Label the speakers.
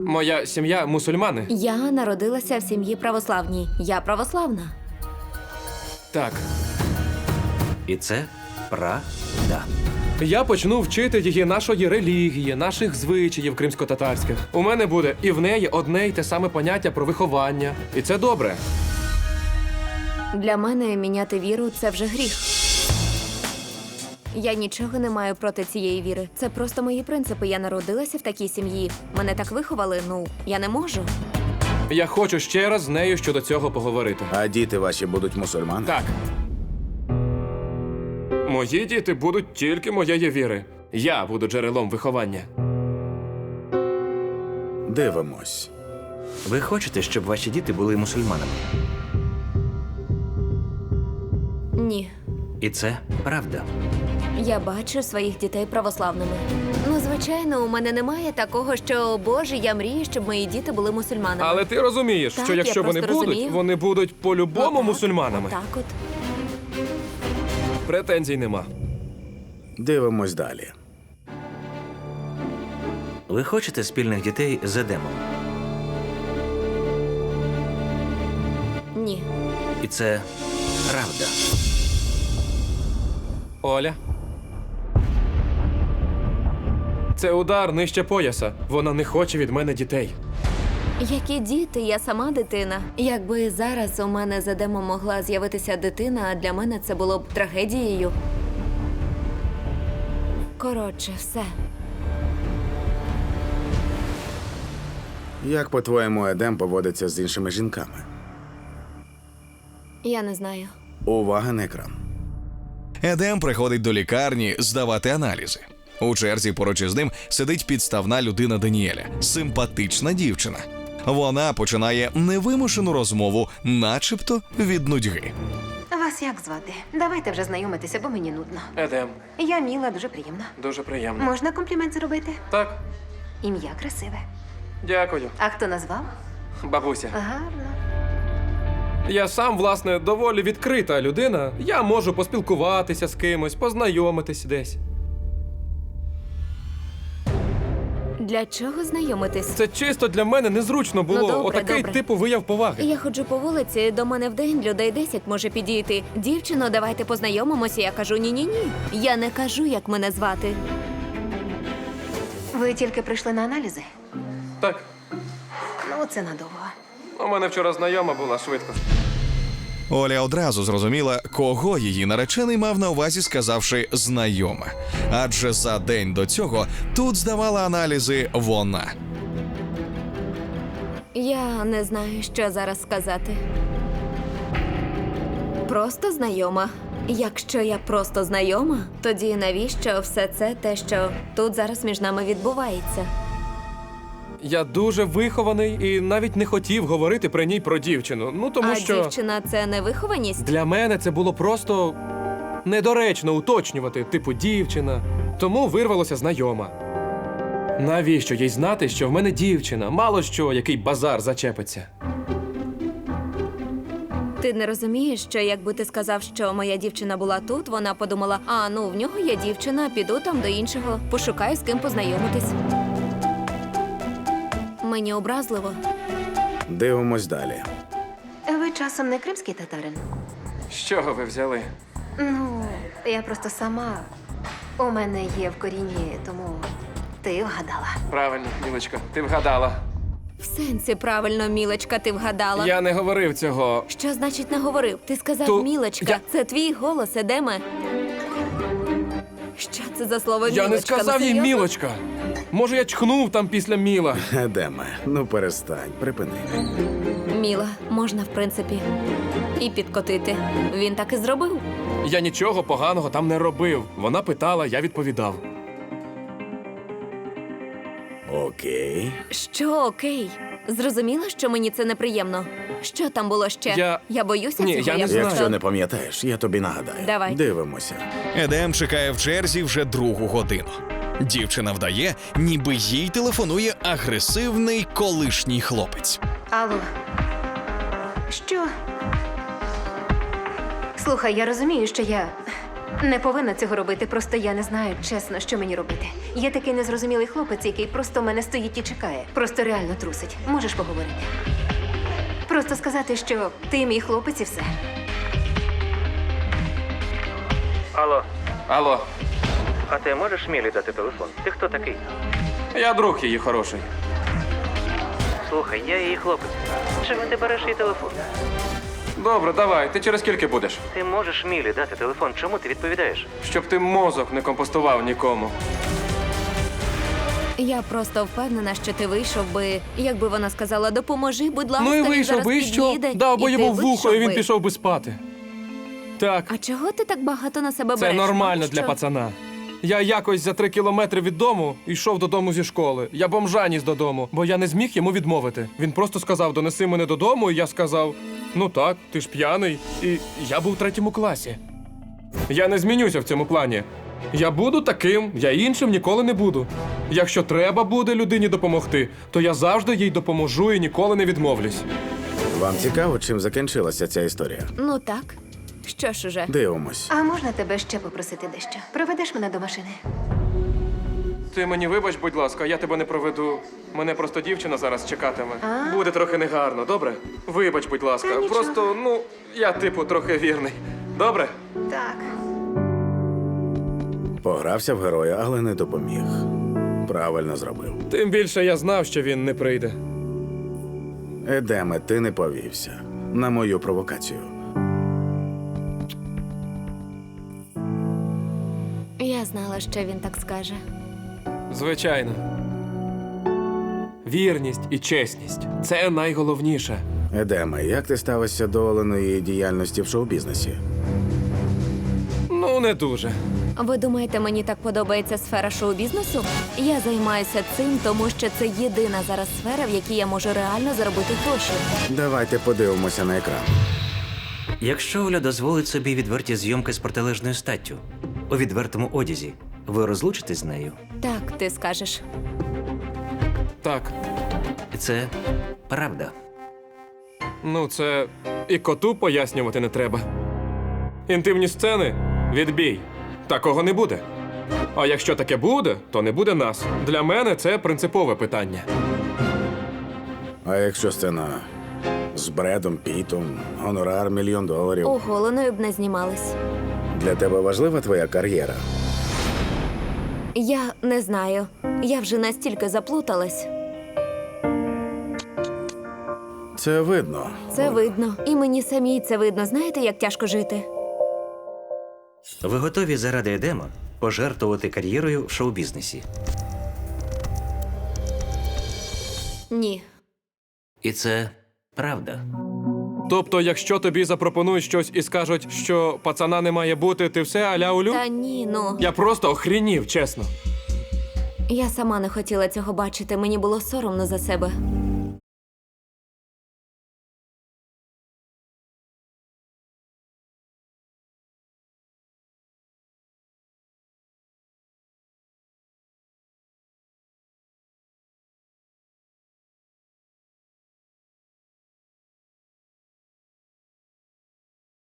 Speaker 1: Моя сім'я мусульмани.
Speaker 2: Я народилася в сім'ї православній. Я православна.
Speaker 1: Так.
Speaker 3: І це правда.
Speaker 1: Я почну вчити її нашої релігії, наших звичаїв кримсько-татарських. У мене буде і в неї одне й те саме поняття про виховання. І це добре.
Speaker 2: Для мене міняти віру – це вже гріх. Я нічого не маю проти цієї віри. Це просто мої принципи. Я народилася в такій сім'ї. Мене так виховали, я не можу.
Speaker 1: Я хочу ще раз з нею щодо цього поговорити.
Speaker 4: А діти ваші будуть мусульмани?
Speaker 1: Так. Мої діти будуть тільки моєї віри. Я буду джерелом виховання.
Speaker 4: Дивимось.
Speaker 3: Ви хочете, щоб ваші діти були мусульманами?
Speaker 2: Ні.
Speaker 3: І це правда.
Speaker 2: Я бачу своїх дітей православними. Звичайно, у мене немає такого, що, Боже, я мрію, щоб мої діти були мусульманами.
Speaker 1: Але ти розумієш,
Speaker 2: Так,
Speaker 1: що якщо
Speaker 2: я
Speaker 1: вони
Speaker 2: просто
Speaker 1: будуть,
Speaker 2: розумію.
Speaker 1: вони будуть по-любому
Speaker 2: Отак,
Speaker 1: мусульманами.
Speaker 2: Так от.
Speaker 1: Претензій нема.
Speaker 4: Дивимось далі.
Speaker 3: Ви хочете спільних дітей з Едемом?
Speaker 2: Ні.
Speaker 3: І це правда.
Speaker 1: Оля. Це удар нижче пояса. Вона не хоче від мене дітей.
Speaker 2: Які діти? Я сама дитина. Якби зараз у мене з Едемом могла з'явитися дитина, для мене це було б трагедією. Коротше, все.
Speaker 4: Як, по-твоєму, Едем поводиться з іншими жінками?
Speaker 2: Я не знаю.
Speaker 4: Увага на екран.
Speaker 5: Едем приходить до лікарні здавати аналізи. У черзі поруч із ним сидить підставна людина Даніеля – симпатична дівчина. Вона починає невимушену розмову, начебто від нудьги.
Speaker 6: Вас як звати? Давайте вже знайомитися, бо мені нудно.
Speaker 1: Едем.
Speaker 6: Я Міла, дуже приємно.
Speaker 1: Дуже приємно.
Speaker 6: Можна комплімент зробити?
Speaker 1: Так,
Speaker 6: Ім'я красиве.
Speaker 1: дякую.
Speaker 6: А хто назвав?
Speaker 1: Бабуся.
Speaker 6: Гарно.
Speaker 1: Я сам, власне, доволі відкрита людина. Я можу поспілкуватися з кимось, познайомитись десь.
Speaker 2: Для чого знайомитись?
Speaker 1: Це чисто для мене незручно було.
Speaker 2: Ну, добре,
Speaker 1: Отакий
Speaker 2: добре.
Speaker 1: типу вияв поваги.
Speaker 2: Я ходжу по вулиці, до мене в день людей 10 може підійти. Дівчино, давайте познайомимося. Я кажу ні-ні-ні. Я не кажу, як мене звати.
Speaker 6: Ви тільки прийшли на аналізи?
Speaker 1: Так,
Speaker 6: Ну, це надовго.
Speaker 1: у мене вчора знайома була швидко.
Speaker 5: Оля одразу зрозуміла, кого її наречений мав на увазі, сказавши «знайома». Адже за день до цього тут здавала аналізи вона.
Speaker 2: Я не знаю, що зараз сказати. Просто знайома. Якщо я просто знайома, тоді навіщо все це те, що тут зараз між нами відбувається?
Speaker 1: Я дуже вихований і навіть не хотів говорити при ній про дівчину. Ну, тому
Speaker 2: А
Speaker 1: що
Speaker 2: дівчина – це невихованість?
Speaker 1: для мене це було просто недоречно уточнювати, типу дівчина. Тому вирвалося знайома. Навіщо їй знати, що в мене дівчина? Мало що, який базар зачепиться.
Speaker 2: Ти не розумієш, що якби ти сказав, що моя дівчина була тут, вона подумала, в нього є дівчина, піду там до іншого, пошукаю, з ким познайомитись. Мені образливо.
Speaker 4: Дивимось далі.
Speaker 6: Ви часом не кримський татарин?
Speaker 1: З чого ви взяли?
Speaker 6: Ну, я просто сама. У мене є в корінні, тому ти вгадала.
Speaker 1: Правильно, Мілочка, ти вгадала.
Speaker 2: В сенсі правильно, Мілочка, ти вгадала.
Speaker 1: Я не говорив цього.
Speaker 2: Що значить не говорив? Ти сказав Мілочка.
Speaker 1: я-
Speaker 2: Це твій голос, Едеме. Що це за слово Мілочка?
Speaker 1: Я не
Speaker 2: Ну,
Speaker 1: сказав їй
Speaker 2: серйозно?
Speaker 1: Мілочка. Може, я чхнув там після Міла.
Speaker 4: Едеме, ну перестань, припини.
Speaker 2: Міла, можна, в принципі, і підкотити. Він так і зробив.
Speaker 1: Я нічого поганого там не робив. Вона питала, я відповідав.
Speaker 4: Окей.
Speaker 2: Що окей? Зрозуміла, що мені це неприємно? Що там було ще?
Speaker 1: Я-
Speaker 2: боюся
Speaker 1: Ні,
Speaker 2: цього.
Speaker 1: я не знаю.
Speaker 4: Якщо не пам'ятаєш, я тобі нагадаю.
Speaker 2: Давай.
Speaker 4: Дивимося.
Speaker 5: Едем чекає в черзі вже 2-гу годину. Дівчина вдає, ніби їй телефонує агресивний колишній хлопець.
Speaker 6: Алло. Що? Слухай, я розумію, що я Не повинна цього робити, просто я не знаю, чесно, що мені робити. Є такий незрозумілий хлопець, який просто в мене стоїть і чекає. Просто реально трусить. Можеш поговорити? Просто сказати, що ти мій хлопець і все.
Speaker 3: Алло,
Speaker 1: Алло,
Speaker 3: а ти можеш Мілі дати телефон? Ти хто такий?
Speaker 1: я друг її хороший.
Speaker 3: Слухай, я її хлопець. Чому ти береш її телефон?
Speaker 1: Добре, давай, ти через скільки будеш?
Speaker 3: Ти можеш Мілі дати телефон. Чому ти відповідаєш?
Speaker 1: Щоб ти мозок не компостував нікому.
Speaker 2: Я просто впевнена, що ти вийшов би, якби вона сказала, допоможи, будь ласка,
Speaker 1: Ну і
Speaker 2: він
Speaker 1: вийшов
Speaker 2: зараз
Speaker 1: би, і що?
Speaker 2: під'їде».
Speaker 1: Дав би
Speaker 2: І
Speaker 1: йому
Speaker 2: ти
Speaker 1: в вухо, і він
Speaker 2: би.
Speaker 1: пішов би спати. Так,
Speaker 2: А чого ти так багато на себе
Speaker 1: це
Speaker 2: береш?
Speaker 1: нормально
Speaker 2: Що?
Speaker 1: для пацана. Я якось за 3 кілометри від дому йшов додому зі школи. Я бомжа ніс додому, бо я не зміг йому відмовити. Він просто сказав: донеси мене додому, і я сказав: ну так, ти ж п'яний. І я був у 3 класі. Я не змінюся в цьому плані. Я буду таким, я іншим ніколи не буду. Якщо треба буде людині допомогти, то я завжди їй допоможу і ніколи не відмовлюсь.
Speaker 4: Вам цікаво, чим закінчилася ця історія?
Speaker 2: Ну так. Що ж уже?
Speaker 4: Дивимось.
Speaker 6: А можна тебе ще попросити дещо? Проведеш мене до машини?
Speaker 1: Ти мені вибач, будь ласка, я тебе не проведу. Мене просто дівчина зараз чекатиме.
Speaker 6: А?
Speaker 1: Буде трохи негарно, добре? Вибач, будь ласка.
Speaker 6: Та нічого.
Speaker 1: Просто, я типу трохи вірний. Добре?
Speaker 6: Так.
Speaker 4: Погрався в героя, але не допоміг. Правильно зробив.
Speaker 1: Тим більше я знав, що він не прийде.
Speaker 4: Едеме, ти не повівся на мою провокацію.
Speaker 2: Я знала, що він так скаже.
Speaker 1: Звичайно. Вірність і чесність це найголовніше.
Speaker 4: Едеме, як ти ставишся до Оленої діяльності в шоу-бізнесі?
Speaker 1: Ну, не дуже.
Speaker 2: Ви думаєте, мені так подобається сфера шоу-бізнесу? Я займаюся цим, тому що це єдина зараз сфера, в якій я можу реально заробити гроші.
Speaker 4: Давайте подивимося на екран.
Speaker 3: Якщо Оля дозволить собі відверті зйомки з протилежною статтю у відвертому одязі, ви розлучитесь з нею?
Speaker 2: Так, ти скажеш.
Speaker 1: Так,
Speaker 3: І це правда.
Speaker 1: це і коту пояснювати не треба. Інтимні сцени відбій. Такого не буде. А якщо таке буде, то не буде нас. Для мене це принципове питання.
Speaker 4: А якщо сцена з Бредом Пітом, гонорар $1 мільйон,
Speaker 2: Оголеною б не знімались.
Speaker 4: для тебе важлива твоя кар'єра?
Speaker 2: Я не знаю. Я вже настільки заплуталась.
Speaker 4: Це видно.
Speaker 2: Це видно. І мені самій це видно. Знаєте, як тяжко жити?
Speaker 3: Ви готові заради Едема пожертвувати кар'єрою в шоу-бізнесі?
Speaker 2: Ні.
Speaker 3: І це правда.
Speaker 1: Тобто, якщо тобі запропонують щось і скажуть, що пацана не має бути, ти все аля улю?
Speaker 2: Та ні, ну.
Speaker 1: Я просто охренів, чесно.
Speaker 2: Я сама не хотіла цього бачити. Мені було соромно за себе.